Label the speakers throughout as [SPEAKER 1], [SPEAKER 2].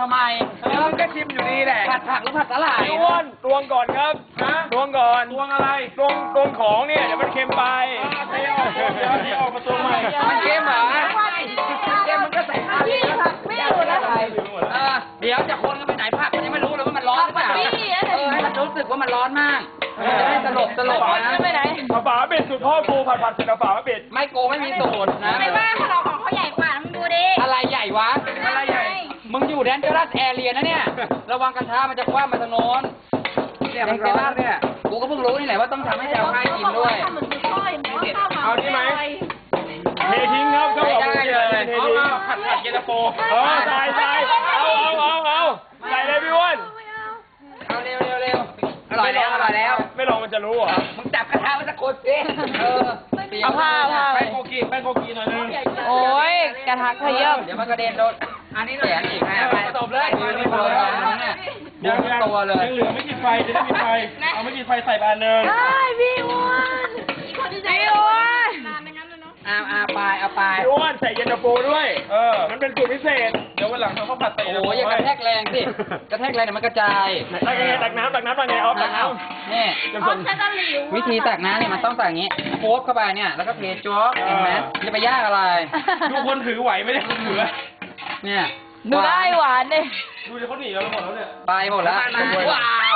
[SPEAKER 1] ทำไมมึงก็ชิมอยู่นี่แหละผัดผักหรือผัดสาหร่าย
[SPEAKER 2] อ้วนตวงก่อนครับตวงก่อนตวงอะไรตวงของเนี่ยเดี๋ยวมันเค็มไปเดี๋ยวออกมาตวงใหม่
[SPEAKER 1] มันเค็มเหรอเค็มมันก็ใส่ผักไม่รู้นะเดี๋ยวจะคนกันไปไหนผักมันยังไม่รู้เลยว่ามันร้อนหรือเปล่าให้มันรู้สึกว่ามันร้อนมากจะได้ตลบนะ
[SPEAKER 2] ไปไหนฝาเป็ดสุดพ่อกูผัดเสร็จแล้วฝาเป็ด
[SPEAKER 1] ไม่โกไม่มีสูตรนะ
[SPEAKER 3] ไม่ว่าเขาของเขาใหญ่กว่ามึงดูดิ
[SPEAKER 1] อะไรใหญ่วะอะไรใหญ่มึงอยู่แดนเจอรัสแอเรียนะเนี่ยระวังกระทะมันจะคว้ามาทางโน้นเนี่ยมันร้อนเนี่ยกูก็เพิ่งรู้นี่แหละว่าต้องทำให้แจวง่ายกินด้วย
[SPEAKER 2] เอาที่ไหมเททิ้งครับเขาบอกเทเลยผัดเย็นตาโฟใส่เอาใส่เลยพี่อ้วน
[SPEAKER 1] เอาเร็วอร่อยแล้ว
[SPEAKER 2] ไม่ลองมันจะรู้เหรอ
[SPEAKER 1] มึงจับกระทะมันจะโคตรสิ
[SPEAKER 4] เอาผ้า
[SPEAKER 2] แป้งโกกีหน่อยนึง
[SPEAKER 4] โอ้ยกระทะขยับ
[SPEAKER 1] เดี๋ยวมันกระเด็นโดนอันนี้แหลมอีกนะไปตบเลยนี่พอแล้วเนี่ยยังตัวเลย
[SPEAKER 2] ยังเหลือไม่กี่ไฟจะได้มีไฟเอาไม่กี่ไฟใส่บานนึง
[SPEAKER 4] ได้พี่อ้วนพี่อ้วน
[SPEAKER 1] เอาไป
[SPEAKER 2] พี่อ้วนใส่เย็นตาโฟด้วยมันเป็นสูตรพิเศษเดี๋ยววันหลังเขาผัดใส่
[SPEAKER 1] โอ้ยอย่ากระแทกแรงสิกระแทกแรงเดี๋ยวมันกระจาย
[SPEAKER 2] ตักน้ำไงเอาตักน้
[SPEAKER 1] ำนี่วิธีตักน้ำเนี่ยมันต้องตักอย่างนี้โคบเข้าไปเนี่ยแล้วก็เทโจ๊กเห็นไหมจะไปยากอะไร
[SPEAKER 2] ดูคนถือไหวไม่ได้คนถือ
[SPEAKER 1] เนี่ย
[SPEAKER 4] ดูได้หวานเลย
[SPEAKER 2] ดูดิเขาหนีเราไปหมดแล้วเนี่ย
[SPEAKER 1] ไปหมดแล้วว้าว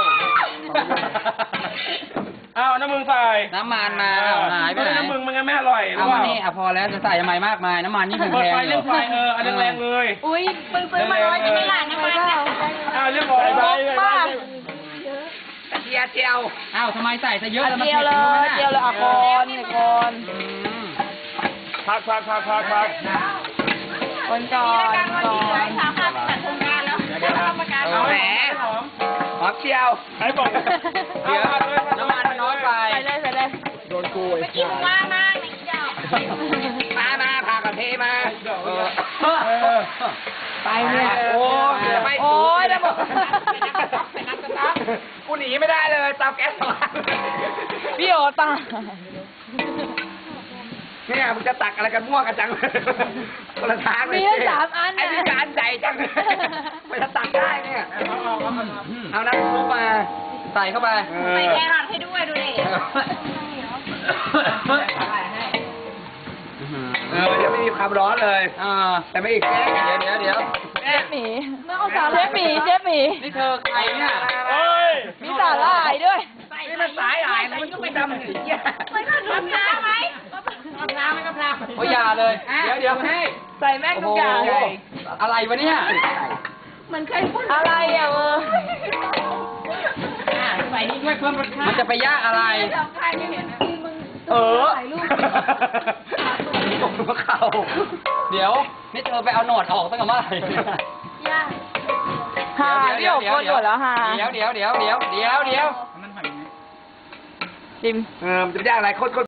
[SPEAKER 2] เอาน้ำมึงใส่
[SPEAKER 1] น้ำมันมาหายไปไหน
[SPEAKER 2] น้ำมึงมันไม่อร่อย
[SPEAKER 1] เอามานี่พอแล้วจะใส่ทำไมมากมายน้ำมันนี่แพง
[SPEAKER 2] เปิดไฟเรื่องไฟอันแรงเลย
[SPEAKER 4] อุ้ยปืนมาร้อยจะไม่หลานน้ำมัน
[SPEAKER 2] เรื่องของไป
[SPEAKER 1] กระเทียมเจียวทำไมใส่ซะเยอะแล้วมัน
[SPEAKER 4] เจียวเลยคน
[SPEAKER 2] พัก
[SPEAKER 4] คนก่อน
[SPEAKER 1] เอาแหมหอมเจียว
[SPEAKER 2] ให้บอก
[SPEAKER 1] เดี๋ยวน้ำมันมันน้อยไป
[SPEAKER 4] ใส่เลย
[SPEAKER 2] โดนกู
[SPEAKER 3] เมื่อกี้มึงว่ามากนะเจ้า
[SPEAKER 1] มาพากระเทมา
[SPEAKER 4] ไปเนี่ย
[SPEAKER 1] โอ้ยแล้วบอกกูหนีไม่ได้เลยเตาแก๊ส
[SPEAKER 4] พี่โอตา
[SPEAKER 1] เนี่ยมึงจะตักอะไรกันมั่วกันจังคนละทางเลย
[SPEAKER 4] มี3 อัน
[SPEAKER 1] ไอ้นี่การใจจังไม่จะตักได้เนี่ยเอาน้ำซุปมาใส่เข้าไป
[SPEAKER 3] ใส่แครอทให้ด้วยดูดิ
[SPEAKER 1] เดี๋ยวไม่มีความร้อนเลยแต่ไม่อีกเดี๋ยว
[SPEAKER 4] เชฟหมี
[SPEAKER 1] นี่เธอใครเนี่ย
[SPEAKER 4] มีสาหร่ายด้วย
[SPEAKER 1] นี่มันสายหายมันก็ไปดำหนี
[SPEAKER 3] ไม่ต้องทำน้ำไหม
[SPEAKER 1] โอ้ยอย่าเลยเดี๋ยวให้
[SPEAKER 4] ใส่แม่งทุกอย่าง
[SPEAKER 1] อะไรวะเนี่ย
[SPEAKER 4] มันเคยพูดอะไร
[SPEAKER 1] ใส่นี่ด้วยเพิ่มรสชาติมันจะไปยากอะไรตกหัวเข่าเดี๋ยวนี่เธอไปเอาหนวดออกตั้งแต่เมื่อไหร่
[SPEAKER 4] ยากพี่โอ๋คนหนวดแล้ว
[SPEAKER 1] เดี๋ยวชิมมันจะไปยากอะไรโคตร